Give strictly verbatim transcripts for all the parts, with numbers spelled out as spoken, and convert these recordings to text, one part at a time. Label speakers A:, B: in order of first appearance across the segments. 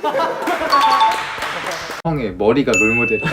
A: 형의 머리가 롤모델이야.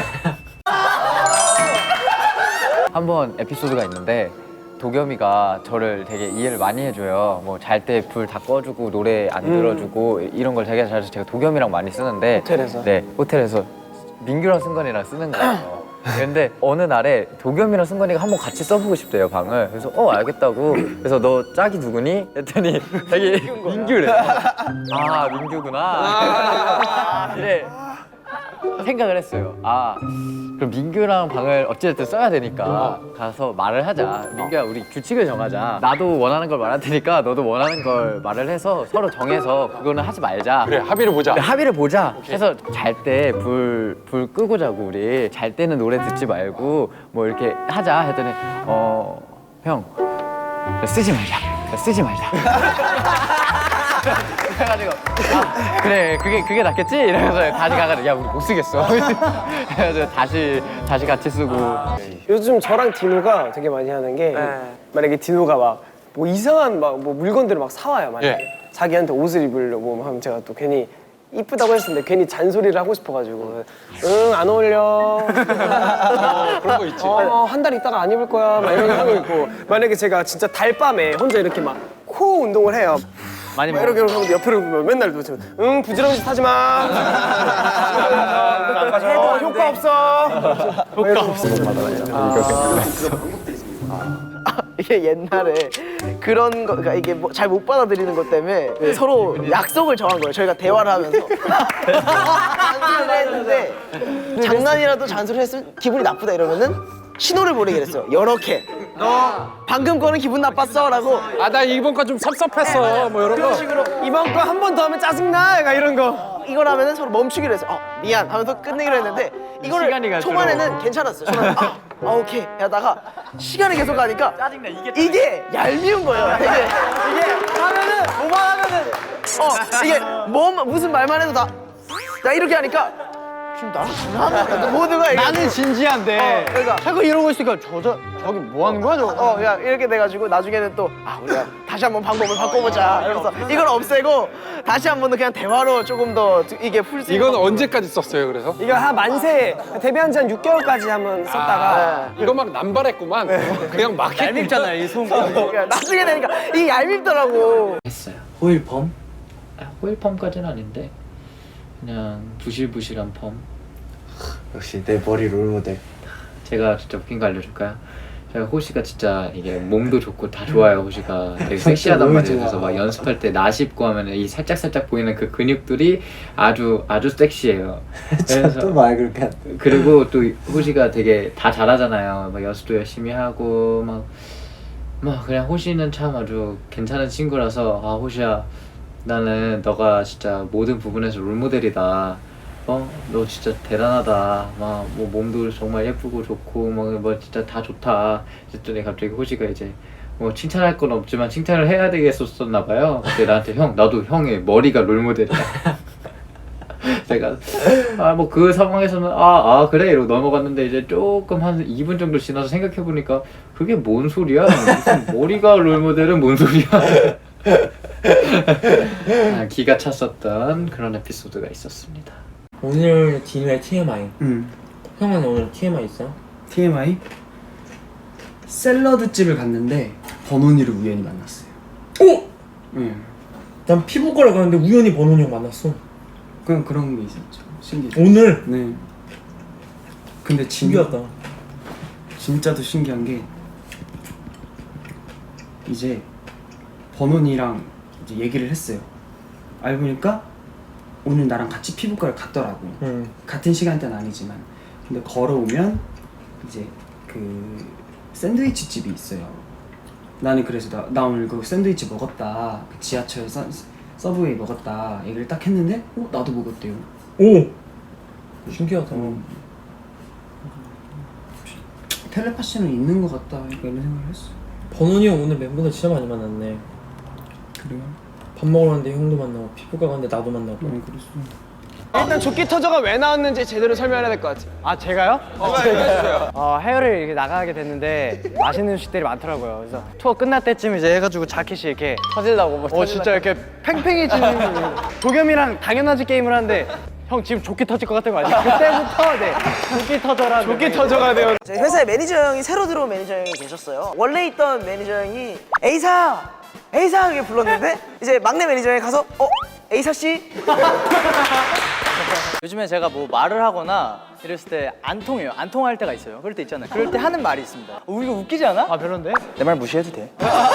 B: 한 번 에피소드가 있는데 도겸이가 저를 되게 이해를 많이 해줘요. 뭐 잘 때 불 다 꺼주고 노래 안 들어주고 음. 이런 걸 되게 잘해서 제가 도겸이랑 많이 쓰는데
C: 호텔에서?
B: 네, 호텔에서 민규랑 승관이랑 쓰는 거예요. 근데 어느 날에 도겸이랑 승관이가 한번 같이 써보고 싶대요, 방을. 그래서 어 알겠다고. 그래서 너 짝이 누구니? 했더니 자기 민규래. 아 민규구나. 이래 생각을 했어요. 아 그럼 민규랑 방을 어찌됐든 써야 되니까 가서 말을 하자. 민규야 우리 규칙을 정하자. 나도 원하는 걸 말할 테니까 너도 원하는 걸 말을 해서 서로 정해서 그거는 하지 말자.
D: 그래 합의를 보자.
B: 그래, 합의를 보자. 해서 잘 때 불 불 끄고 자고 우리 잘 때는 노래 듣지 말고 뭐 이렇게 하자 했더니 어 형 쓰지 말자. 쓰지 말자. 그래가지고 아, 그래 그게 그게 낫겠지 이러면서 다시 가가지고 야 우리 못 쓰겠어. 그래서 다시 다시 같이 쓰고.
C: 요즘 저랑 디노가 되게 많이 하는 게 만약에 디노가 막 뭐 이상한 막 뭐 물건들을 막 사와요. 만약에
D: 예.
C: 자기한테 옷을 입으려고 하면 제가 또 괜히 이쁘다고 했는데 괜히 잔소리를 하고 싶어가지고 응 안 어울려.
D: 어, 그런 거 있지.
C: 어, 한 달 있다가 안 입을 거야. 막 이런 거 하고 있고 만약에 제가 진짜 달밤에 혼자 이렇게 막 코 운동을 해요.
B: 많이
C: 막 이렇게 하면 옆으로 보면 맨날 도대체 응 부지런히 짓 하지 마. 해도 효과 없어. 효과 없어.
E: 이게 옛날에 그런 거, 그러니까 이게 뭐 잘 못 받아들이는 것 때문에 서로 약속을 정한 거예요. 저희가 대화를 하면서 잔소리를 했는데 장난이라도 잔소리를 했으면 기분이 나쁘다 이러면은 신호를 보내기로 했어요. 이렇게 너 방금 거는 기분 나빴어라고.
D: 아 나 이번 거 좀 섭섭했어. 뭐 이런 거.
C: 식으로 이번 거 한 번 더 하면 짜증나. 약간 이런 거.
E: 이걸 하면은 서로 멈추기로 했어. 어, 미안 하면서 끝내기로 했는데 이거를
B: 시간이 갈수록.
E: 초반에는 괜찮았어요. 초반에 아, 아 오케이 하다가 시간이 계속 가니까
B: 짜증나, 이게
E: 이게 얄미운 거예요. 되게 이게 하면은 뭐만 하면은 어 이게 뭐 무슨 말만 해도 다 나 이렇게 하니까 지금 나랑 장난하는 거야. 모두가 이렇게
B: 나는 진지한데
E: 어, 그러니까
B: 자꾸 이러고 있으니까 저저 저기 뭐 하는 거야 저거?
E: 어, 야 이렇게 돼가지고 나중에는 또 아 우리가 다시 한번 방법을 바꿔보자. 이러면서 이걸 없애고 다시 한번 더 그냥 대화로 조금 더 이게 풀 수 있는.
D: 이건 언제까지 썼어요 그래서?
C: 이거 한 만세 데뷔한 지 한 육 개월까지 한번 썼다가
D: 이거 막 남발했구만. 그냥 막 했.
B: 얄밉잖아요 이 손.
E: 그러니까 나중에 되니까 이게 얄밉더라고.
A: 했어요. 호일펌? 아, 호일펌까지는 아닌데 그냥 부실부실한 펌.
F: 역시 내 머리 롤모델.
A: 제가 진짜 웃긴 거 알려줄까요? 제가 호시가 진짜 이게 몸도 좋고 다 좋아요. 호시가 되게 섹시하단
F: 너무
A: 말이에요.
F: 좋아.
A: 그래서 막 연습할 때 나 씹고 하면 이 살짝 살짝 보이는 그 근육들이 아주 아주 섹시해요.
F: 또 말 그렇게 한다.
A: 그리고 또 호시가 되게 다 잘하잖아요. 막 연습도 열심히 하고 막, 막 그냥 호시는 참 아주 괜찮은 친구라서 아 호시야 나는 너가 진짜 모든 부분에서 롤모델이다. 어? 너 진짜 대단하다. 막 뭐 몸도 정말 예쁘고 좋고 뭐, 뭐 진짜 다 좋다. 그랬더니 갑자기 호시가 이제 뭐 칭찬할 건 없지만 칭찬을 해야 되겠었나 봐요. 근데 나한테 형 나도 형의 머리가 롤모델이야. 제가 아 뭐 그 상황에서는 아, 아 그래 이러고 넘어갔는데 이제 조금 한 이 분 정도 지나서 생각해보니까 그게 뭔 소리야? 무슨 머리가 롤모델은 뭔 소리야? 아, 기가 찼었던 그런 에피소드가 있었습니다.
G: 오늘 디노의 티엠아이.
H: 응.
G: 형은 오늘 티엠아이 있어요?
H: 티엠아이? 샐러드 집을 갔는데 번온이를 우연히 만났어요.
G: 오!
H: 응.
G: 난 피부과를 가는데 우연히 번훈이 형 만났어.
H: 그냥 그런 게 있었죠. 신기해.
G: 오늘?
H: 네. 근데 진,
G: 신기하다.
H: 진짜도 신기한 게 이제 번온이랑 이제 얘기를 했어요. 알고 보니까 오늘 나랑 같이 피부과를 갔더라고.
G: 응.
H: 같은 시간대는 아니지만. 근데 걸어오면 이제 그 샌드위치 집이 있어요. 나는 그래서 나, 나 오늘 그 샌드위치 먹었다. 그 지하철 서, 서브웨이 먹었다. 얘기를 딱 했는데 어? 나도 먹었대요.
G: 오! 신기하다.
H: 음. 텔레파시는 있는 것 같다. 이런 생각을 했어.
G: 번훈이 형 오늘 멤버들 진짜 많이 만났네.
H: 그래요?
G: 밥 먹으러 갔는데 형도 만나고 피부과 갔는데 나도 만나고.
H: 응, 그랬어.
C: 일단 조끼 터저가 왜 나왔는지 제대로 설명해야 될 것 같아.
B: 아 제가요? 어 해외를 이렇게 나가게 됐는데 맛있는 음식들이 많더라고요. 그래서 투어 끝날 때쯤 이제 해가지고 자켓이 이렇게 터질라고 뭐 어 진짜 이렇게 팽팽해지는 도겸이랑 당연하지 게임을 하는데 형 지금 조끼 터질 것 같은 거 아니야? 그때부터 네 조끼 터져라.
C: 조끼 터저가 되어.
E: 저희 회사에 매니저 형이 새로 들어온 매니저 형이 계셨어요. 원래 있던 매니저 형이 에이사! 에이사! 이렇게 불렀는데 이제 막내 매니저 형이 가서 어? 에이사 씨?
B: 요즘에 제가 뭐 말을 하거나 이랬을 때 안 통해요. 안 통할 때가 있어요. 그럴 때 있잖아요. 그럴 때 하는 말이 있습니다. 어, 이거 웃기지 않아? 아 별론데? 내 말 무시해도 돼.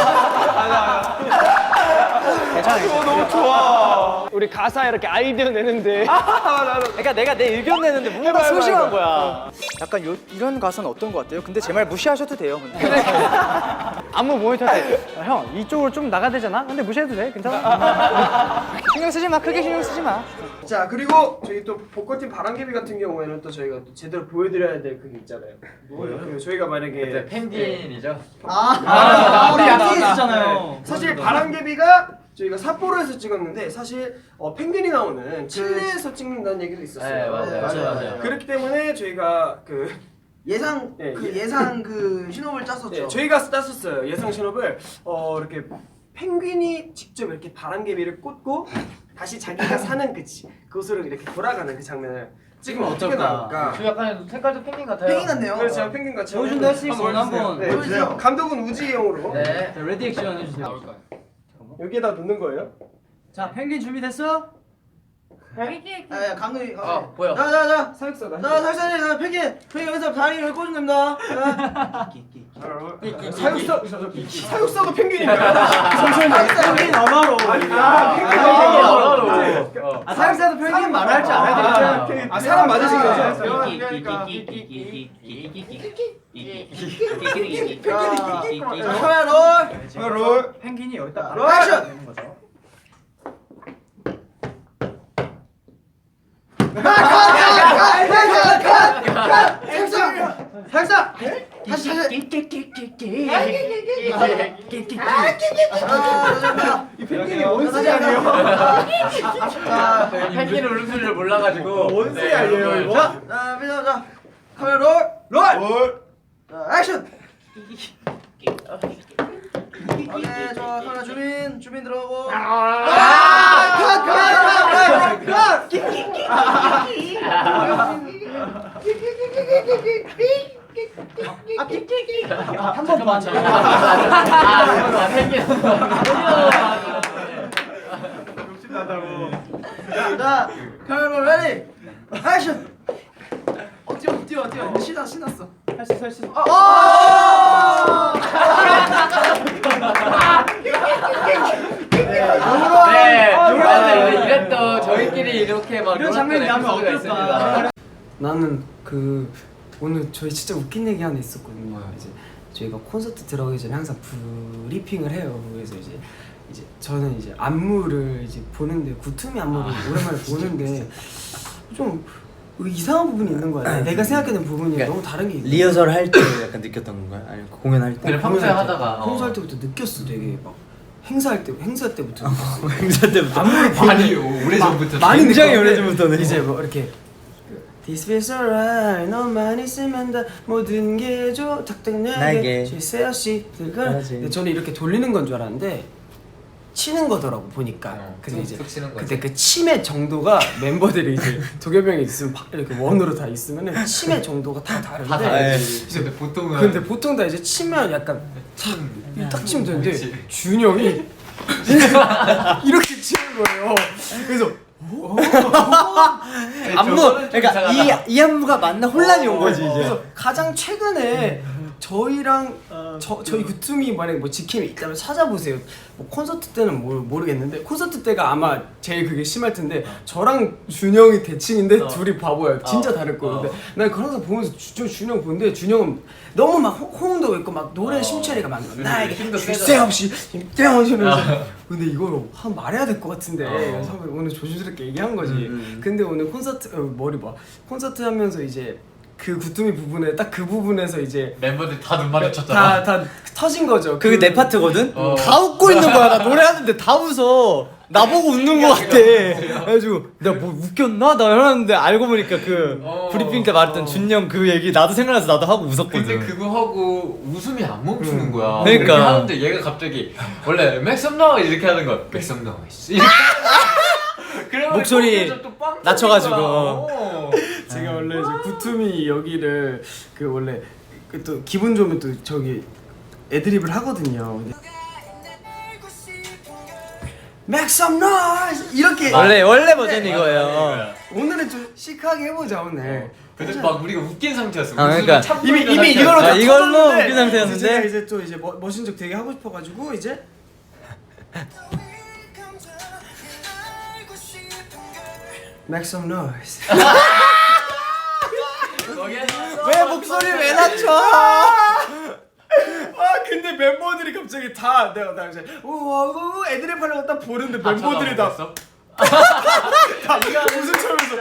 C: 어, 너무 좋아. 우리 가사 이렇게 아이디어 내는데.
B: 그러니까 내가 내 의견 내는데 뭔가 소심한 거야. 약간 요, 이런 가사는 어떤 거 같아요? 근데 제 말 무시하셔도 돼요. 근데. 안무 모니터 때 형 이쪽으로 좀 나가야 되잖아? 근데 무시해도 돼. 괜찮아? 신경 쓰지 마. 크게 신경 쓰지 마.
C: 자 그리고 저희 또 보컬팀 바람개비 같은 경우에는 또 저희가 또 제대로 보여드려야 될 그게 있잖아요. 뭐예요? 그 저희가 만약에
A: 펭귄이죠.
C: 아, 우리 약속했잖아요. 사실 바람개비가 저희가 삿포로에서 찍었는데 사실 어, 펭귄이 나오는 칠레에서 찍는다는 얘기도 있었어요.
A: 네, 맞아요. 맞아요, 맞아요.
C: 그렇기 때문에 저희가 그
E: 예상
C: 네,
E: 그
C: 예.
E: 예상 그 신호를 짰었죠.
C: 네, 저희가 땄었어요. 예상 신호를 어 이렇게 펭귄이 직접 이렇게 바람개비를 꽂고 다시 자기가 사는 그 지- 그곳으로 이렇게 돌아가는 그 장면을 찍으면 어떻게 나올까?
A: 저 약간 색깔도 펭귄 같아요.
E: 펭귄 같네요.
C: 그래서 제가 펭귄 같이
B: 보여준다 할수 있어. 한번
C: 네,
E: 보여주세요.
C: 감독은 우지 형으로
A: 네.
B: 레디 액션 해주세요.
C: 여기에다 넣는 거예요?
B: 자 펭귄 준비됐어?
E: 아, 감독이
A: 어, 보여.
E: 자자자
C: 사육사다.
E: 자, 살살해. 자, 펭귄. 펭귄 여기서 다리 여기 꽂으면 됩니다.
C: 사육사 사육사도 펭귄인가요?
E: 펭귄 언어로.
C: 아 펭귄
B: 아 사육사도 펭귄 말할 줄 알아야 되잖아.
C: 아 사람 맞으신 거죠?
E: 카메라 롤.
C: 롤.
B: 펭귄이 여기다
E: 롤 액션. 살짝 다시 다시
C: 이 펭귄이 원숭이 아니에요?
E: 자,
A: 펭귄 울음소리를 몰라가지고.
C: 원숭이 아니에요 이거?
E: 자, 자, 자, 카메라 롤, 롤,
C: 롤.
E: 자, 액션. 오케이, 저 카메라 주민, 주민 들어오고. 아, 컷, 컷, 컷, 컷.
B: 한 번만.
A: 아, 펭귄.
E: 자, 카메라 롤 레디, 액션. 어, 뛰어, 뛰어, 뛰어. 신났, 신났어.
B: 할 수 있어 할 수 있어.
A: 네. 맞아요. 이랬던 저희끼리 이렇게 막
B: 이런 장면이 나면
A: 에피소드가
B: 어떨까?
A: 있습니다.
H: 나는 그 오늘 저희 진짜 웃긴 얘기 하나 있었거든요. 이제 저희가 콘서트 들어가기 전에 항상 브리핑을 해요. 그래서 이제 이제 저는 이제 안무를 이제 보는데 구툼이 안무를 오랜만에 보는데 좀 이상한 부분이 있는 거야. 내가 생각하는 부분이 너무 다른 게 있는 거야.
F: 리허설 할 때 약간 느꼈던 건가요? 아니면 공연할 때?
A: 그래, 평소에 하다가, 어.
H: 평소할 때부터 느꼈어. 되게 막 행사할 때 행사 때부터
F: 행사 때부터
H: 안무를
A: 많이 오래전부터.
H: 많이
F: 굉장히
H: 느꼈는데
F: 오래전부터는.
H: 이제 뭐 이렇게 This feels alright 너만 있으면 다 모든 게 좋아 탁탁나게
F: 나에게.
H: 실세어 씨
F: 그렇지.
H: 근데 저는 이렇게 돌리는 건 줄 알았는데 치는 거더라고 보니까.
A: 어,
H: 그래서
A: 툭,
H: 이제
A: 툭 치는 거지.
H: 그때 그 침의 정도가 멤버들이 이제 도겸형이 있으면 바- 이렇게 원으로 다 있으면은 침의 정도가 다 다른데
A: 다 다르지. 근데 보통은.
H: 근데 보통 다 이제 치면 약간 탁, 딱 치면 되는데
A: 그렇지.
H: 준이 형이 이렇게 치는 거예요. 그래서
F: 안무 그러니까 이, 이 안무가 맞나 혼란이 온 거지 이제.
H: 그래서 가장 최근에 저희랑 저, 저희 구툼이 만약에 뭐 지킴이 있다면 찾아보세요. 뭐 콘서트 때는 뭘 모르겠는데 콘서트 때가 아마 제일 그게 심할 텐데 저랑 준영이 대칭인데 둘이 바보야. 진짜 다를 거예요. 근데 난 그런 거 보면서 주, 준영 보는데 준영은 너무 막 호- 호응도 있고 막 노래 심취리가 막 나에게
A: 힘도
H: 쉴새 없이 힘떼어지면서 근데 이걸 한 말해야 될 것 같은데 그래서 오늘 조심스럽게 얘기한 거지. 근데 오늘 콘서트 어, 머리 봐 콘서트 하면서 이제 그 구tum이 부분에 딱 그 부분에서 이제
A: 멤버들 다 눈 마주쳤잖아.
H: 다 다 터진 거죠.
F: 그게
H: 그-
F: 내 파트거든?
A: 어.
F: 다 웃고 있는 거야. 나 노래하는데 다 웃어. 나보고 웃는 거 같아. 그래가지고 내가 뭐 웃겼나? 나 이러는데 알고 보니까 그
B: 어,
F: 브리핑 때 말했던
B: 어.
F: 준영 그 얘기 나도 생각나서 나도 하고 웃었거든.
B: 근데 그거 하고 웃음이 안 멈추는 거야.
F: 그러니까.
B: 이렇게 하는데 얘가 갑자기 원래 맥스 업 노이즈 이렇게 하는 거야. 맥스 업 노이즈. 이렇게 그러면
F: 목소리
B: 거기에서 또 빵
F: 낮춰가지고.
B: 터지는 거야. 어.
C: 제가 원래 이제 구툼이 여기를 그 원래 그 또 기분 좋으면 또 저기 애드립을 하거든요. 근데 Make some noise 이렇게
F: 원래 원래 버전이 이거예요.
C: 오늘은 좀 시크하게 해보자 오늘.
B: 근데 막 우리가 웃긴 상태였어.
F: 아, 그러니까.
B: 웃음이 참고
C: 이미
B: 있는
C: 이미
B: 상태였어.
C: 이걸로 다
F: 아, 이걸로
C: 터졌는데
F: 웃긴 상태였는데?
C: 이제 제가 이제 또 이제 멋, 멋진 척 되게 하고 싶어가지고 이제 Make some noise.
F: 왜 목소리 왜 낮춰?
C: 아 근데 멤버들이 갑자기 다 내가 나 이제 우우 애드립 하려고 딱 보는데 멤버들이 다
B: 어
C: 다 웃음 참면서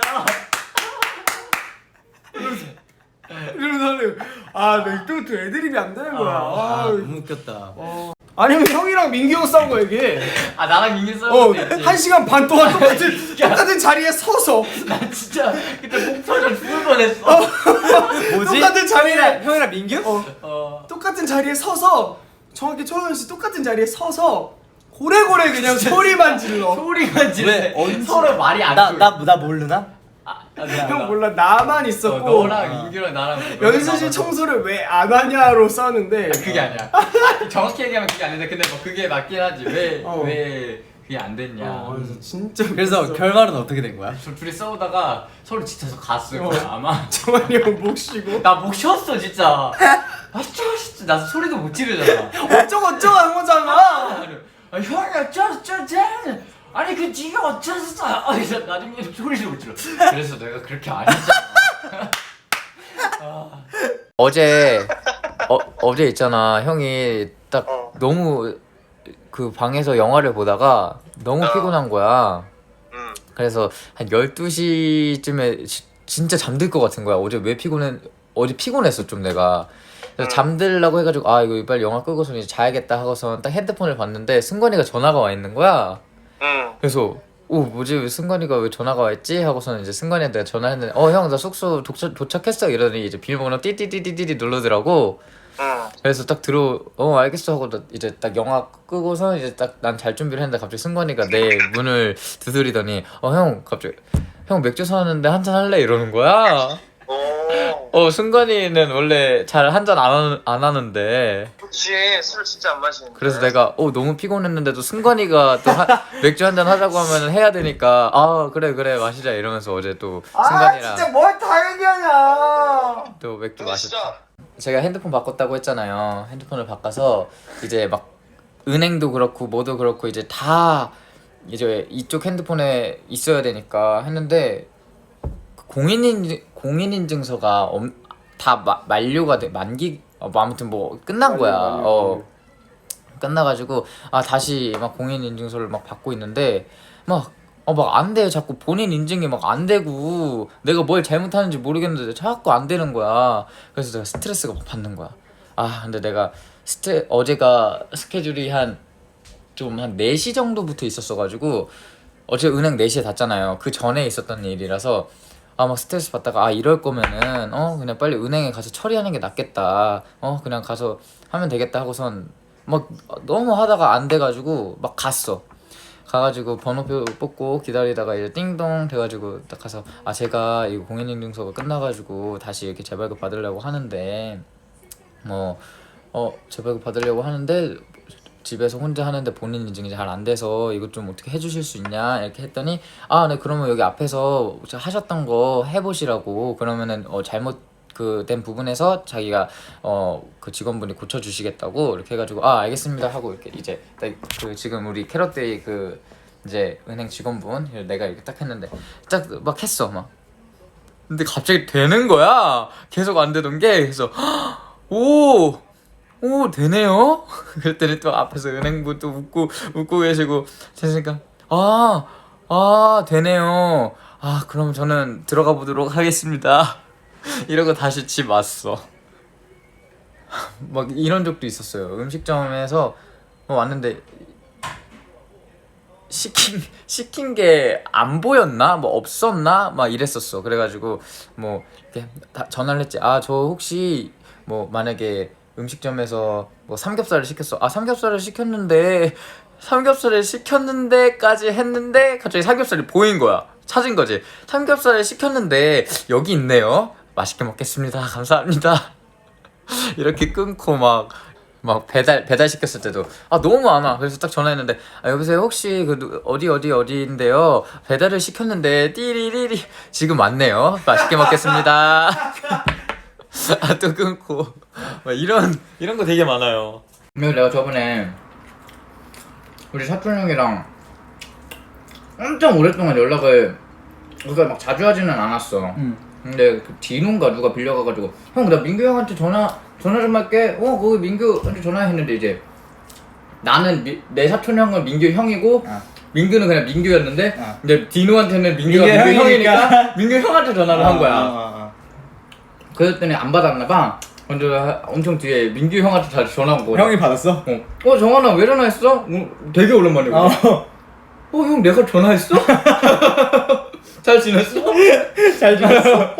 C: 이러면서 하는 아내또또 애드립이 안 되는 거야.
F: 아,
C: 아,
F: 너무 웃겼다.
C: 아니면 형이랑 민기 형 싸운 거야 이게.
B: 아 나랑 민기 싸운 것도 있지.
C: 어한 시간 반 동안 똑같은 똑같은 자리에 서서
B: 나 진짜 그때 목 터져 죽을 뻔했어.
F: 뭐지?
C: 똑같은 자리에
F: 형이랑 민규?
C: 어,
B: 어.
C: 똑같은 자리에 서서 정확히 초현 씨 똑같은 자리에 서서 고래고래 그냥 소리만 질러.
B: 소리만 지르는데 서로 말이 안
F: 나
B: 통해.
F: 나 나 모르나?
B: 아, 아, 미안,
C: 형
B: 나-
C: 몰라 나만
B: 어,
C: 있었고
B: 너랑 민규랑 나랑
C: 연습실 청소를 왜 안 하냐로 싸는데
B: 그게 아니야. 아, 정확히 얘기하면 그게 아닌데 근데 뭐 그게 맞긴 하지. 왜 왜
C: 어.
B: 그게 안 됐냐.
C: 어, 그래서 진짜
F: 그래서
C: 웃겼어.
F: 결말은 어떻게 된 거야?
B: 저 둘이 싸우다가 서로 지쳐서 갔을 거야 아마.
C: 정환이 형 목 쉬고
B: 나 목 쉬었어 진짜. 아 진짜 나 소리도 못 지르잖아.
C: 어쩌고 어쩌고 한 거잖아.
B: 아 형이 어쩌서 어쩌지? 아니 그 네가 어쩌서? 아 그래서 나중에 소리를 못 질러. 그래서 내가 그렇게 안 했잖아. 아. 어제 어, 어제 있잖아 형이 딱 너무 그 방에서 영화를 보다가 너무 피곤한 거야. 그래서 한 열두 시쯤에 진짜 잠들 것 같은 거야. 어제 왜 피곤해? 어제 피곤했어 좀 내가. 그래서 잠들라고 해가지고 아 이거 빨리 영화 끄고서 이제 자야겠다 하고서 딱 핸드폰을 봤는데 승관이가 전화가 와 있는 거야. 그래서 오 뭐지 왜 승관이가 왜 전화가 와 있지 하고서는 이제 승관이한테 내가 전화했는데 어 형 나 숙소 도착, 도착했어 이러더니 이제 비밀번호 띠띠띠띠띠 누르더라고. 그래서 딱 들어 어 알겠어 하고 나 이제 딱 영화 끄고서 이제 딱 난 잘 준비를 했는데 갑자기 승관이가 내 문을 두드리더니 어 형 갑자기 형 맥주 사왔는데 한잔 할래 이러는 거야. 어 승관이는 원래 잘 한 잔 안 안 하는데
I: 그치 술 진짜 안 마시는데
B: 그래서 내가 어 너무 피곤했는데도 승관이가 또 하, 맥주 한 잔 하자고 하면은 해야 되니까 아 그래 그래 마시자 이러면서 어제 또 승관이랑
C: 뭘 다 얘기하냐.
B: 또 맥주
I: 근데
B: 마셨죠.
I: 진짜
B: 제가 핸드폰 바꿨다고 했잖아요. 핸드폰을 바꿔서 이제 막 은행도 그렇고 뭐도 그렇고 이제 다 이제 이쪽 핸드폰에 있어야 되니까 했는데 공인인 공인인증서가 엄, 다 마, 만료가 돼 만기 어, 뭐 아무튼 뭐 끝난 거야. 어 끝나가지고 아 다시 막 공인인증서를 막 받고 있는데 막 어 막 안 돼. 자꾸 본인 인증이 막 안 되고 내가 뭘 잘못하는지 모르겠는데 자꾸 안 되는 거야. 그래서 내가 스트레스가 막 받는 거야. 아 근데 내가 스트 어제가 스케줄이 한 좀 한 네 시 정도부터 있었어가지고 어제 은행 네 시에 닫잖아요. 그 전에 있었던 일이라서 아 막 스트레스 받다가 아 이럴 거면은 어 그냥 빨리 은행에 가서 처리하는 게 낫겠다. 어 그냥 가서 하면 되겠다 하고선 막 너무 하다가 안 돼가지고 막 갔어. 가가지고 번호표 뽑고 기다리다가 이제 띵동 돼가지고 딱 가서 아 제가 이거 공인인증서가 끝나가지고 다시 이렇게 재발급 받으려고 하는데 뭐 어 재발급 받으려고 하는데 집에서 혼자 하는데 본인 인증이 잘 안 돼서 이거 좀 어떻게 해주실 수 있냐 이렇게 했더니 아 네 그러면 여기 앞에서 하셨던 거 해보시라고 그러면은 어 잘못 그 된 부분에서 자기가 어 그 직원분이 고쳐주시겠다고 이렇게 해가지고 아 알겠습니다 하고 이렇게 이제 그 지금 우리 캐럿데이 그 이제 은행 직원분 내가 이렇게 딱 했는데 딱 막 했어 막 근데 갑자기 되는 거야 계속 안 되던 게 그래서 오 오 되네요. 그랬더니 또 앞에서 은행분 또 웃고 웃고 계시고 제가 아 아 되네요. 아 그럼 저는 들어가 보도록 하겠습니다. 이러고 다시 집 왔어. 막 이런 적도 있었어요. 음식점에서 뭐 왔는데 시킨 시킨 게 안 보였나 뭐 없었나 막 이랬었어. 그래가지고 뭐 이렇게 다 전화를 했지. 아 저 혹시 뭐 만약에 음식점에서 뭐 삼겹살을 시켰어. 아 삼겹살을 시켰는데 삼겹살을 시켰는데까지 했는데 갑자기 삼겹살이 보인 거야. 찾은 거지. 삼겹살을 시켰는데 여기 있네요. 맛있게 먹겠습니다. 감사합니다. 이렇게 끊고 막 막 배달 배달 시켰을 때도 아 너무 많아. 그래서 딱 전화했는데 아 여보세요 혹시 그 누- 어디 어디 어디인데요. 배달을 시켰는데 띠리리리 지금 왔네요. 맛있게 먹겠습니다. 아 또 끊고 막 이런 이런 거 되게 많아요. 그래서 내가 저번에 우리 사촌 형이랑 엄청 오랫동안 연락을 그러니까 막 자주 하지는 않았어.
F: 응.
B: 근데 그 디노인가 누가 빌려가가지고 형 나 민규 형한테 전화 전화 좀 할게. 어 거기 민규한테 전화했는데 이제 나는 미, 내 사촌 형은 민규 형이고
F: 어.
B: 민규는 그냥 민규였는데
F: 어.
B: 이제 디노한테는 민규가 민규,
F: 민규
B: 형이니까
F: 형이니까
B: 민규 형한테 전화를 한 거야.
F: 어, 어, 어.
B: 그랬더니 안 받았나 봐. 근데 엄청 뒤에 민규 형한테 다시 전화 온 거야.
F: 형이 받았어?
B: 어, 어 정환아 왜 전화했어? 어, 되게 오랜만이고.
F: 어.
B: 어 형 내가 전화했어? 잘 지냈어?
F: 잘 지냈어.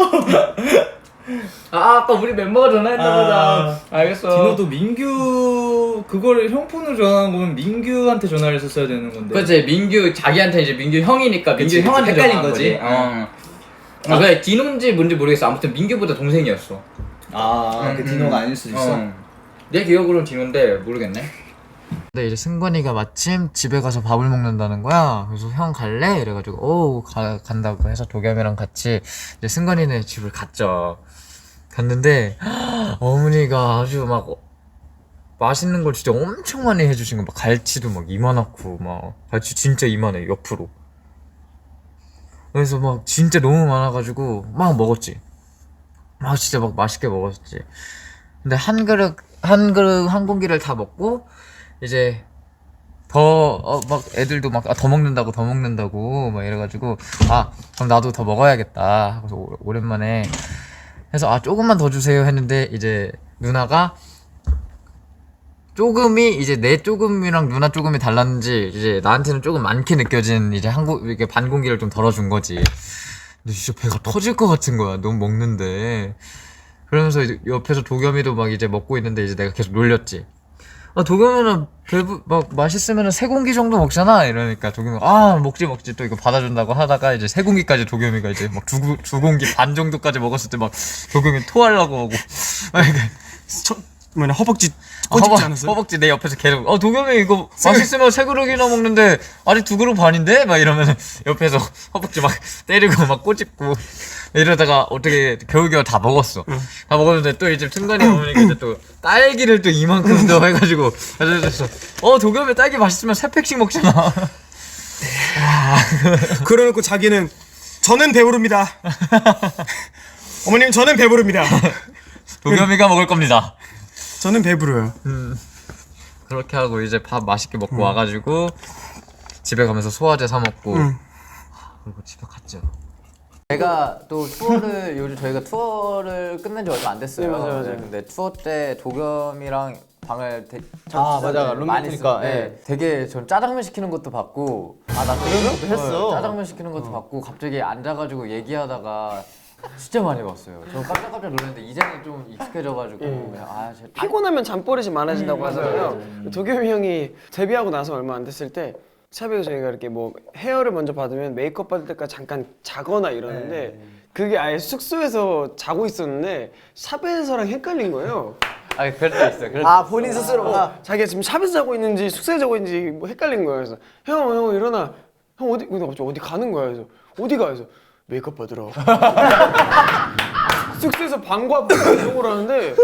B: 아 아까 우리 멤버가 전화했나
F: 아.
B: 보다. 알겠어.
F: 디노도 민규 그거를 형 폰으로 전화한 거면 민규한테 전화를 했었어야 되는 건데.
B: 그렇지 민규 자기한테 이제 민규 형이니까 민규
F: 그치, 그치.
B: 형한테
F: 헷갈린
B: 전화한
F: 거지.
B: 어. 아 그래 디노인지 뭔지 모르겠어. 아무튼 민규보다 동생이었어.
F: 아,
B: 음,
F: 그
B: 음.
F: 디노가 아닐 수도 있어.
B: 어. 내 기억으로는 디노인데 모르겠네. 근데 이제 승관이가 마침 집에 가서 밥을 먹는다는 거야. 그래서 형 갈래? 이래가지고 오 가, 간다고 해서 도겸이랑 같이 이제 승관이네 집을 갔죠. 갔는데 어머니가 아주 막 맛있는 걸 진짜 엄청 많이 해주신 거. 막 갈치도 막 이만하고 막 갈치 진짜 이만해 옆으로. 그래서 막 진짜 너무 많아가지고 막 먹었지. 막 진짜 막 맛있게 먹었지. 근데 한 그릇 한 그릇 한 공기를 다 먹고 이제 더 어 막 애들도 막 더 먹는다고 더 먹는다고 막 이래가지고 아 그럼 나도 더 먹어야겠다. 그래서 오, 오랜만에 해서 아 조금만 더 주세요 했는데 이제 누나가 조금이 이제 내 조금이랑 누나 조금이 달랐는지 이제 나한테는 조금 많게 느껴진 이제 한 고 이렇게 반 공기를 좀 덜어준 거지. 근데 진짜 배가 터질 것 같은 거야. 너무 먹는데. 그러면서 이제 옆에서 도겸이도 막 이제 먹고 있는데 이제 내가 계속 놀렸지. 아 도겸이는 배부 막 맛있으면은 세 공기 정도 먹잖아 이러니까 도겸이 아 먹지 먹지 또 이거 받아준다고 하다가 이제 세 공기까지 도겸이가 이제 막 두 두 공기 반 정도까지 먹었을 때 막 도겸이 토하려고 하고 막 이렇게
C: 뭐냐 허벅지
B: 아, 허벅, 허벅지 내 옆에서 계속 어 도겸이 이거 맛있으면 세 그릇이나 먹는데 아직 두 그릇 반인데 막 이러면 옆에서 허벅지 막 때리고 막 꼬집고 이러다가 어떻게 겨우겨우 다 먹었어. 응. 다 먹었는데 또 이제 승관이 어머니가 이제 또 딸기를 또 이만큼 더 해가지고 그래서 어 도겸이 딸기 맛있으면 세 팩씩 먹잖아.
C: 그러놓고 자기는 저는 배부릅니다. 어머님 저는 배부릅니다.
B: 도겸이가 먹을 겁니다.
C: 저는 배부르요.
B: 음. 그렇게 하고 이제 밥 맛있게 먹고 음. 와가지고 집에 가면서 소화제 사 먹고
C: 음.
B: 그리고 집에 갔죠. 제가 또 투어를 요즘 저희가 투어를 끝낸 지 얼마 안 됐어요.
E: 네, 맞아요, 맞아요.
B: 네, 근데 투어 때 도겸이랑 방을 되,
F: 아, 맞아.
B: 많이
F: 룸메이트니까,
B: 썼는데 되게 전 짜장면 시키는 것도 받고 아나 그런 것도 했어. 짜장면 시키는 것도 받고 갑자기 앉아가지고 얘기하다가 진짜 많이 봤어요. 저 깜짝깜짝 놀랐는데 이제는 좀 익숙해져가지고
E: 음.
B: 그냥 아 제,
E: 피곤하면 잠버릇이 많아진다고
B: 음,
E: 하잖아요.
B: 맞아요, 맞아요.
E: 도겸이 형이 데뷔하고 나서 얼마 안 됐을 때 샵에 저희가 이렇게 뭐 헤어를 먼저 받으면 메이크업 받을 때까지 잠깐 자거나 이러는데
B: 네.
E: 그게 아예 숙소에서 자고 있었는데 샵에서랑 헷갈린 거예요.
B: 아 그럴 때 있어요. 그럴
E: 아
B: 때
E: 본인 스스로가 자기가 지금 샵에서 자고 있는지 숙소에 자고 있는지 뭐 헷갈린 거예요. 그래서 형, 형 일어나. 형 어디? 근데 갑자기 어디 가는 거야. 그래서 어디 가? 그래서 메이크업 받으러. 숙소에서 방과 후 이동을 하는데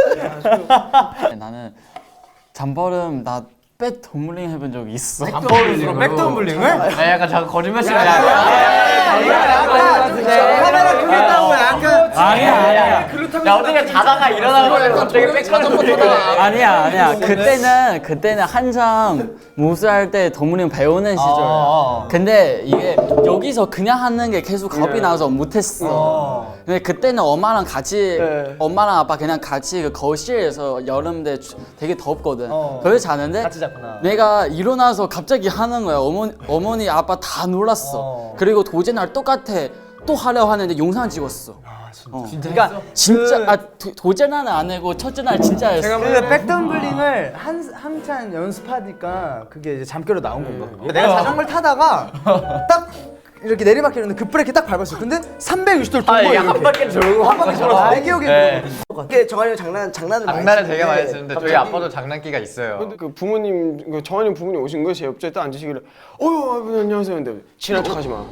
J: 나는 잠버름 나 백 덤블링 해본 적이 있어.
B: 잠버릇으로 백덤블링을? 아 약간 잠깐 거짓말치는
E: 카메라 크게 따고 약간
F: 아니야, 아니야.
C: 그렇다고
B: 야 어떻게 자다가 일어나고 갑자기 백걸음
J: 아니야 아니야 그때는 그때는 한참 무술할 때 동물이 형 배우는 시절. 근데 이게 여기서 그냥 하는 게 계속 겁이 나서 못했어. 근데 그때는 엄마랑 같이 엄마랑 아빠 그냥 같이 그 거실에서 여름 때 되게 덥거든. 거기서 자는데 내가 일어나서 갑자기 하는 거야. 어머니 어머니 아빠 다 놀랐어. 그리고 도제 날 똑같아 또 하려고 하는데 영상 찍었어. 어. 그러니까 진짜 아 도, 도제 날은 안 하고 첫째 날 진짜 했어.
F: 그 백덤블링을 한 한참 연습하니까 그게 이제 잠결로 나온 건가? 내가 자전거를 타다가 딱 이렇게 내리막길이었는데 급브레이크 딱 밟았어. 근데 삼백육십 도를 돈 거야.
B: 한 바퀴 돌고
F: 한 바퀴 돌았어. 내 기억에
B: 네.
E: 이게 정한이 형 장난 장난을 많이
B: 장난을 되게
E: 치는데
B: 많이 쓰는데 저희 아빠도 장난기가 있어요.
C: 근데 그 부모님, 그 정한이 부모님 오신 거예요. 제 옆자리에 딱 앉으시길래 어휴 아버님 안녕하세요. 근데 친한 척하지 마.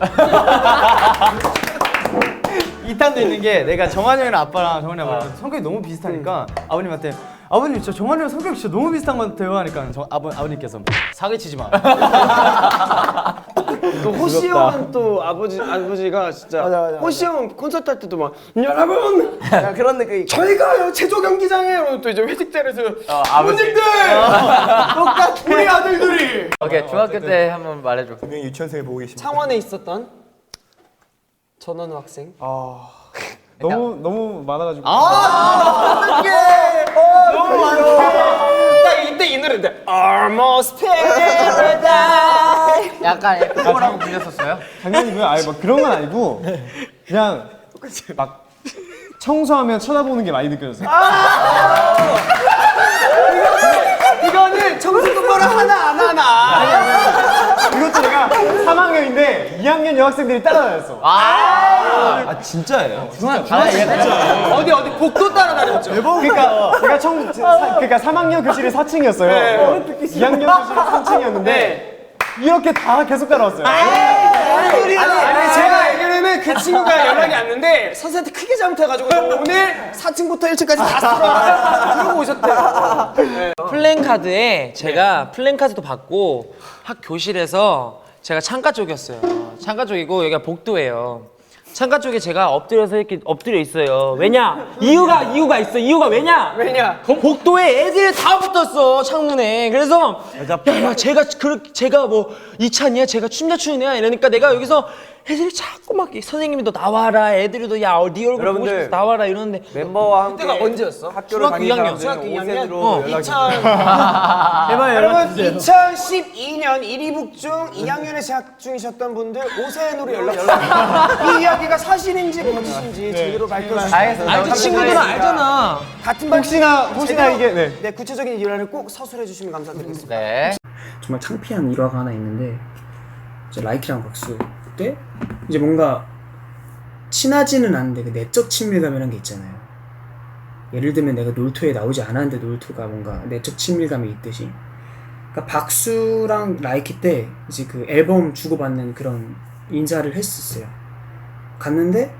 F: 이 탄도 있는 게 내가 정한이 형이랑 아빠랑 정한이 아빠랑 성격이 너무 비슷하니까 아버님한테 아버님 진짜 정한이 형 성격 진짜 너무 비슷한 것 같아요 하니까 정, 아버, 아버님께서 사기치지 마.
C: 또 호시 형은 또 아버지 아버지가 진짜
E: 맞아, 맞아,
C: 호시 형은 콘서트 할 때도 막 여러분
E: 야, 그런 느낌.
C: 저희가요 제조 경기장에 이러면 또 이제 회식 자리에서
B: 어, 아버지.
C: 부모님들 똑같 우리 아들들이
B: 오케이 중학교 때 한번 말해줘.
F: 분명히 유치원생이 보고 계십니다.
C: 창원에 있었던 전원우 학생.
F: 너무 너무 많아가지고.
C: 너무 많아. 딱 이때 이 노래인데 Almost Paradise.
B: 약간 그거라고 불렸었어요?
F: 당연히고요. 아니 막 그런 건 아니고 그냥 막 청소하면 쳐다보는 게 많이 느껴졌어요.
C: 이거는 청소 똑바로 하나 안 하나.
F: 이것도 내가 삼 학년인데 이 학년 여학생들이 따라다녔어. 아, 진짜예요?
C: 어디 어디 복도 따라다녔죠.
F: 그러니까 제가 청 사, 그러니까 삼 학년 교실이 사 층이었어요. 이 학년 교실이 삼 층이었는데 이렇게 다 계속 따라왔어요.
C: 아니, 아니 제가 알기로는 그 친구가 연락이 왔는데 선생님한테 크게 잘못해가지고 오늘 사 층부터 일 층까지 다 쓸어 그러고 오셨대요.
K: 플랜카드에 제가 플랜카드도 받고 학 교실에서 제가 창가 쪽이었어요. 창가 쪽이고 여기가 복도예요. 창가 쪽에 제가 엎드려서 이렇게 엎드려 있어요. 왜냐? 이유가 이유가 있어. 이유가 왜냐?
C: 왜냐?
K: 그 복도에 애들이 다 붙었어 창문에. 그래서 야, 야 제가 그 제가 뭐 이찬이야, 제가 춤자 추는 애야 이러니까 내가 여기서 애들이 자꾸 막 선생님이 너 나와라, 애들이도 야 네 얼굴 보고 싶어서 나와라 이러는데
F: 멤버와 함께
C: 그때가 언제였어?
F: 학교를
K: 중학교 이 학년.
C: 중학교 이 학년?
K: 어.
F: 제발
C: 여러분 이천십이 년 일 위 북중 이 학년에 재학 중이셨던 분들 오세훈으로 연락 주세요. 이 이야기가 사실인지 거짓인지 제대로 밝혀주세요.
K: 아니 그 친구들은 알잖아.
C: 같은 반
F: 혹시나 혹시나 이게 네.
C: 네 구체적인 일화를 꼭 서술해 주시면 감사드리겠습니다.
B: 네.
H: 정말 창피한 일화가 하나 있는데 이제 라이키랑 박수 때 이제 뭔가 친하지는 않은데 그 내적 친밀감이라는 게 있잖아요. 예를 들면 내가 놀토에 나오지 않았는데 놀토가 뭔가 내적 친밀감이 있듯이 그러니까 박수랑 라이키 때 이제 그 앨범 주고받는 그런 인사를 했었어요. 갔는데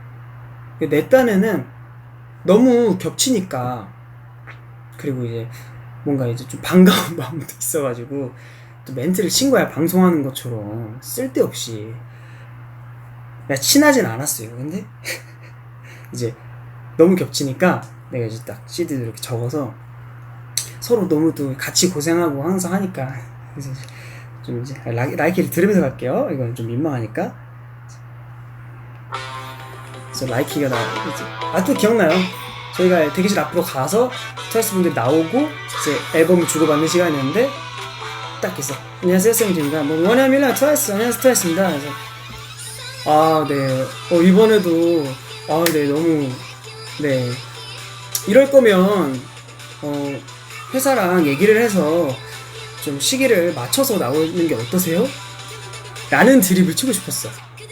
H: 내 딴에는 너무 겹치니까 그리고 이제 뭔가 이제 좀 반가운 마음도 있어가지고 또 멘트를 친 거야. 방송하는 것처럼 쓸데없이. 나 친하진 않았어요. 근데 이제 너무 겹치니까 내가 이제 딱 씨디도 이렇게 적어서 서로 너무 또 같이 고생하고 항상 하니까 그래서 좀 이제 라이, 라이키를 들으면서 갈게요. 이건 좀 민망하니까. 그래서 라이키가 나 이제 아 또 기억나요. 저희가 대기실 앞으로 가서 트와이스 분들이 나오고 이제 앨범을 주고받는 시간이었는데 딱 있어. 안녕하세요 쌤입니다. 뭐 원야밀라 트와이스 안녕하세요 트와이스입니다. 그래서 아 네. 어 이번에도 아 네 너무 네 이럴 거면 어 회사랑 얘기를 해서 좀 시기를 맞춰서 나오는 게 어떠세요? 라는 드립을 치고 싶었어.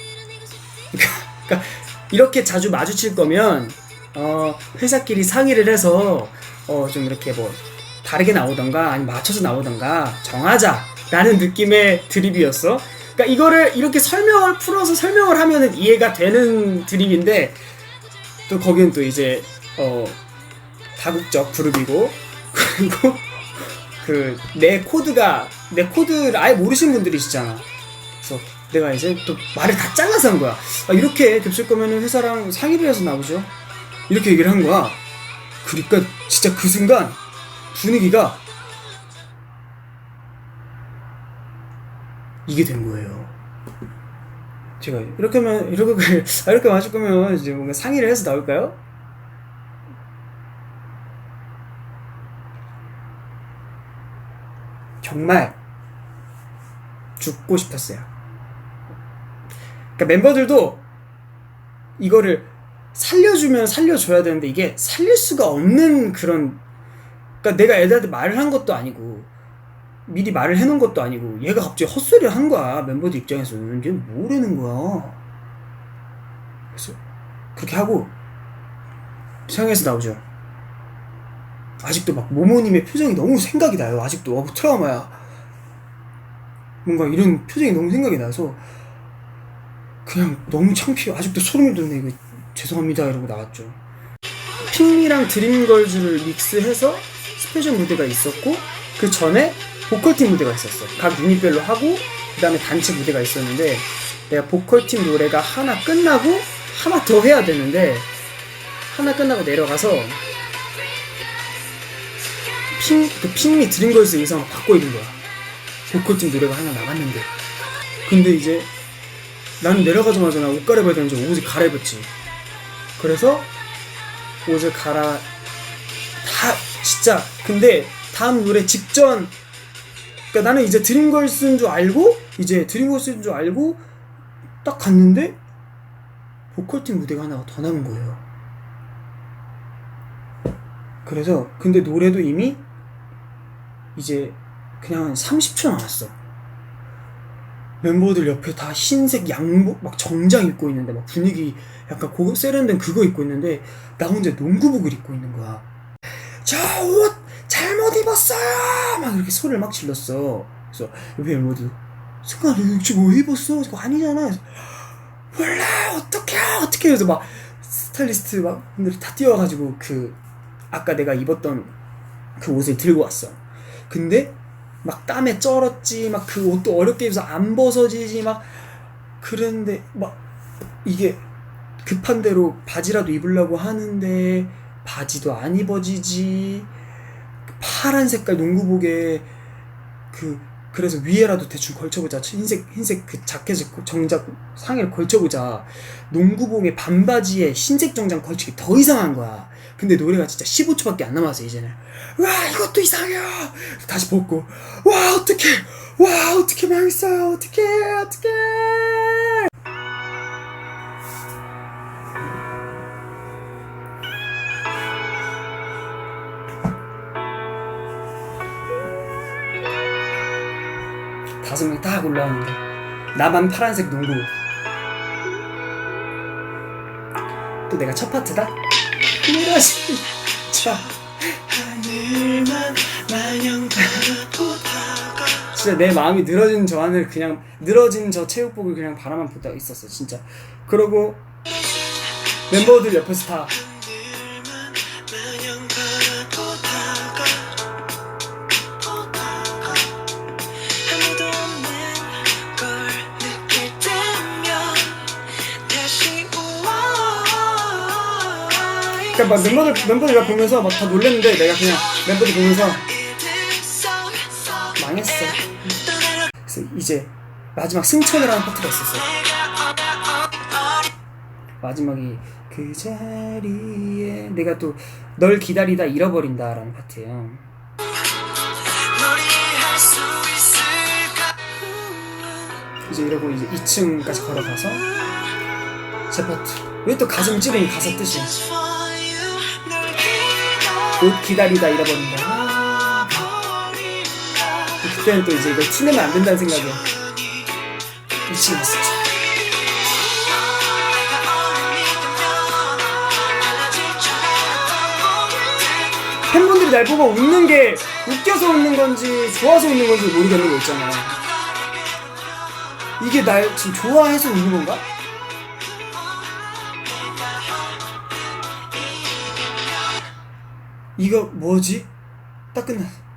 H: 그러니까 이렇게 자주 마주칠 거면 어 회사끼리 상의를 해서 어 좀 이렇게 뭐 다르게 나오던가 아니면 맞춰서 나오던가 정하자 라는 느낌의 드립이었어. 그러니까 이거를 이렇게 설명을 풀어서 설명을 하면은 이해가 되는 드립인데 또 거기는 또 이제 어 다국적 그룹이고 그리고 그 내 코드가 내 코드를 아예 모르시는 분들이시잖아. 그래서 내가 이제 또 말을 다 잘라서 한 거야. 아, 이렇게 겹칠 거면은 회사랑 상의를 해서 나오죠. 이렇게 얘기를 한 거야. 그러니까 진짜 그 순간 분위기가 이게 된 거예요. 제가 이렇게 하면 이렇게 아, 이렇게 마실 거면 이제 뭔가 상의를 해서 나올까요? 정말 죽고 싶었어요. 그러니까 멤버들도 이거를 살려주면 살려줘야 되는데 이게 살릴 수가 없는 그런, 그러니까 내가 애들한테 말을 한 것도 아니고 미리 말을 해놓은 것도 아니고 얘가 갑자기 헛소리를 한 거야. 멤버들 입장에서는 얘 뭐라는 거야. 그래서 그렇게 하고 상에서 나오죠. 아직도 막 모모님의 표정이 너무 생각이 나요. 아직도 어, 트라우마야. 뭔가 이런 표정이 너무 생각이 나서 그냥 너무 창피해. 아직도 소름이 돋네. 이거 죄송합니다 이러고 나왔죠. 핑이랑 드림걸즈를 믹스해서 스페셜 무대가 있었고 그 전에 보컬팀 무대가 있었어. 각 유닛별로 하고 그 다음에 단체 무대가 있었는데 내가 보컬팀 노래가 하나 끝나고 하나 더 해야 되는데 하나 끝나고 내려가서 핑, 그 핑미 드림걸즈 의상을 바꿔 입은 거야. 보컬팀 노래가 하나 나갔는데. 근데 이제 나는 내려가자마자 나 옷 갈아입어야 되는지 옷을 갈아입었지. 그래서 옷을 갈아 다 진짜 근데 다음 노래 직전, 그러니까 나는 이제 드림걸스인 줄 알고 이제 드림걸스인 줄 알고 딱 갔는데 보컬팀 무대가 하나 더 남은 거예요. 그래서 근데 노래도 이미 이제 그냥 한 삼십 초 남았어. 멤버들 옆에 다 흰색 양복 막 정장 입고 있는데 막 분위기 약간 고 세련된 그거 입고 있는데 나 혼자 농구복을 입고 있는 거야. 저 옷 잘못 입었어요! 막 이렇게 소리를 막 질렀어. 그래서 옆에 멤버들 승관아 지금 왜 입었어? 저거 아니잖아. 그래서 몰라 어떡해 어떡해. 그래서 막 스타일리스트 막 분들이 다 뛰어와가지고 그 아까 내가 입었던 그 옷을 들고 왔어. 근데 막 땀에 쩔었지. 막 그 옷도 어렵게 입어서 안 벗어지지. 막 그런데 막 이게 급한 대로 바지라도 입으려고 하는데 바지도 안 입어지지. 파란 색깔 농구복에 그 그래서 위에라도 대충 걸쳐보자. 흰색 흰색 그 자켓을 정작 상의를 걸쳐보자. 농구복에 반바지에 흰색 정장 걸치기 더 이상한 거야. 근데 노래가 진짜 십오 초밖에 안 남았어 이제는. 와 이것도 이상해. 다시 벗고 와 어떡해 와 어떡해 망했어요 어떡해 어떡해. 다섯 명이 딱 올라오는데 나만 파란색 농구. 또 내가 첫 파트다. 이러지 자 하늘만 마냥 바라보다가 진짜 내 마음이 늘어진 저 하늘 그냥 늘어진 저 체육복을 그냥 바라만 보다가 있었어 진짜. 그러고 멤버들 옆에서 다 그러니까 막 멤버들 멤버들 보면서 막 다 놀랬는데 내가 그냥 멤버들 보면서 망했어. 그래서 이제 마지막 승천이라는 파트가 있었어. 마지막이 그 자리에 내가 또 널 기다리다 잃어버린다라는 파트예요. 이제 이러고 이제 이 층까지 걸어가서 제 파트. 왜 또 가슴 찌르는 가사 뜻이? 옷 기다리다 잃어버린다. 그때는 또 이제 이걸 티내면 안 된다는 생각에 미치겠어. 팬분들이 날 보고 웃는 게 웃겨서 웃는 건지 좋아서 웃는 건지 모르겠는 거 있잖아. 이게 날 지금 좋아해서 웃는 건가? 이거 뭐지? 딱 끝났어.